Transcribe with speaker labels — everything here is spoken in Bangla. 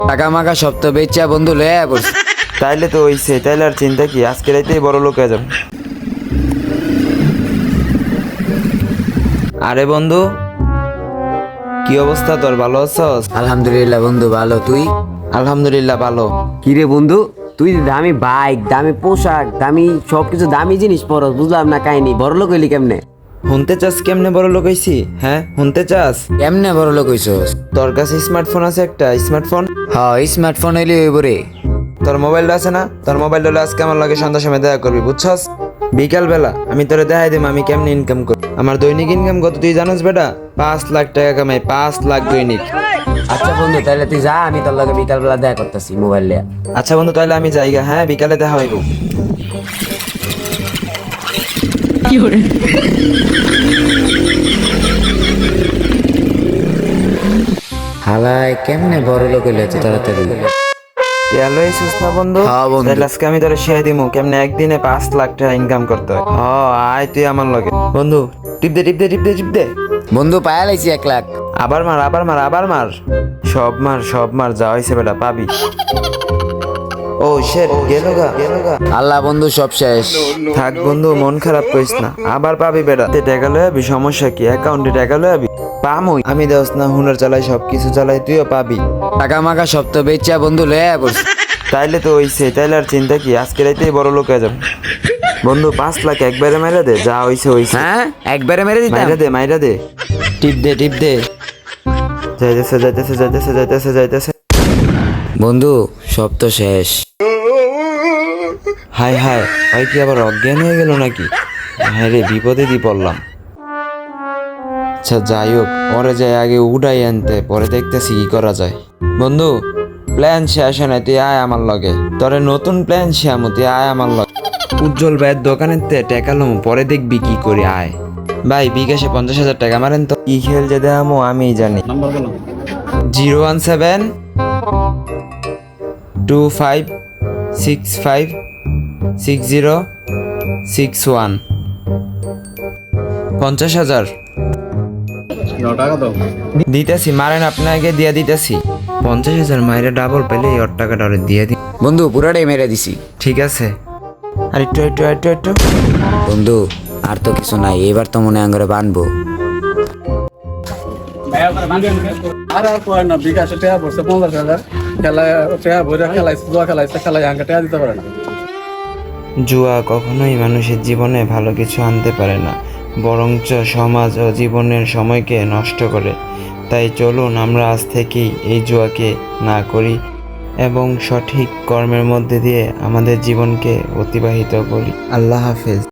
Speaker 1: টাকা মাকা সব তো বেচা বন্ধু লয়ে পড়ছি।
Speaker 2: তাইলে তো হইছে, তাইলে আর চিন্তা কি, আজকে রাইতেই বড় লোক হয়ে যাবে। আরে বন্ধু, কি অবস্থা তোর, ভালো আছস?
Speaker 1: আলহামদুলিল্লাহ বন্ধু ভালো, তুই?
Speaker 2: আলহামদুলিল্লাহ ভালো।
Speaker 3: কিরে বন্ধু, তুই দামি বাইক, দামি পোশাক, দামি সবকিছু, দামি জিনিস পরস, বুঝলাম না কাহিনী। বড় লোক হইলি কেমনে?
Speaker 2: শুনতে চাস কেমনে বড় লোক হইছি? হ্যাঁ শুনতে চাস?
Speaker 1: কেমনে বড় লোক হইছস?
Speaker 2: তোর কাছে স্মার্টফোন আছে একটা? স্মার্টফোন,
Speaker 1: হ্যাঁ স্মার্টফোন হইলে হইব রে।
Speaker 2: তোর মোবাইলটা আছে না? তোর মোবাইলটা হলে আজকে আমার লাগে সন্ধ্যার সময় দেখা করবি, বুঝছস? বিকাল বেলা আমি তোরে দেখাই দিম আমি কেমনে ইনকাম করি। আমার দৈনিক ইনকাম কত তুই জানোস বেটা? 5 লাখ টাকা কামাই, 5 লাখ দৈনিক।
Speaker 3: আচ্ছা বন্ধু, তাহলে তুই যা, আমি তোর লগে বিকালবেলা দেখা করতেছি মোবাইল লিয়া।
Speaker 2: আচ্ছা বন্ধু, তাহলে আমি যাইগা। হ্যাঁ বিকালে দেখা হইব।
Speaker 1: হালায় কেমনে বড় লোক হইলে এত তাড়াতাড়ি?
Speaker 2: তেল হইছিস না বন্ধু?
Speaker 1: হ্যাঁ বন্ধু।
Speaker 2: তাহলে আজকে আমি তোরে শিখাই দিমু কেমনে একদিনে 5 লাখ টাকা ইনকাম করতে হয়। আয় তুই আমার লগে। বন্ধু টিপ দে টিপ দে টিপ দে টিপ দে।
Speaker 1: বন্ধু পায়া লাইছি 1 লাখ।
Speaker 2: আবার মার আবার মার আবার মার, সব মার সব মার, যা হইছে বেটা পাবি। ও শেট, গেল গা।
Speaker 1: আল্লাহ বন্ধু সব শেষ।
Speaker 2: থাক বন্ধু, মন খারাপ করিস না, আবার পাবি বেটা। টাকা লয়ে আবি, সমস্যা কি? অ্যাকাউন্টে টাকা লয়ে আবি, পামই। আমি দেওস না হুনার চালাই, সব কিছু চালাই, তুইও পাবি।
Speaker 1: টাকা মাকা সব তো বেচা বন্ধু লয়ে পড়ছি।
Speaker 2: তাইলে তো হইছে, তাইলে আর চিন্তা কি, আজকে রাইতেই বড় লোক হয়ে যাবে। বন্ধু 5 লাখ একবারে মাইরা দে, যা হইছে হইছে।
Speaker 1: হ্যাঁ একবারে মেরে দিতাম।
Speaker 2: মাইরা দে মাইরা দে, টিপ দে টিপ দে। যাইতেছে যাইতেছে যাইতেছে যাইতেছে যাইতেছে।
Speaker 1: বন্ধু সব তো শেষ।
Speaker 2: হাই হাই, ভাই কি আবার অজ্ঞান হয়ে গেল নাকি? হ্যাঁ রে, বিপদে দি পড়লাম। আচ্ছা যাই হোক, পরে যাই আগে উড়াই আনতে, পরে দেখতেছি কি করা যায়। বন্ধু প্ল্যান শেষ হয় না, তুই আয় আমার লগে। তোরে নতুন প্ল্যান শেয়ামু, তুই আয় আমার লগে। উজ্জ্বল ভাইয়ের দোকানের তে টেকালুম, পরে দেখবি কি করি, আয়। ভাই বিকাশে 50,000 টাকা মারেন তো। কি খেল যে দেখামো আমি জানি। 017 25 65 60 61। 50,000 দিতেছি, মারেন আপনাকে দিয়া দিতেছি। 50,000 মাইরে ডাবল পেলে ওর টাকাটা ওরে দিয়ে দি।
Speaker 1: বন্ধু পুরাটাই মেরে দিছি।
Speaker 2: ঠিক আছে, আর একটু একটু একটু একটু।
Speaker 1: বন্ধু আর তো কিছু নাই, এবার তো মনে আঙ্গরে বানবো।
Speaker 4: আর কয় না, বিকাশে টেয়া পড়ছে 50,000, খেলায় টেয়া ভরে খেলাইছে, জুয়া খেলাইছে, খেলায় আঙ্কা টেয়া দিতে পারে না।
Speaker 2: জুয়া কখনোই মানুষের জীবনে ভালো কিছু আনতে পারে না, বরঞ্চ সমাজ ও জীবনের সময়কে নষ্ট করে। তাই চলুন আমরা আজ থেকেই এই জুয়াকে না করি এবং সঠিক কর্মের মধ্যে দিয়ে আমাদের জীবনকে অতিবাহিত করি। আল্লাহ হাফেজ।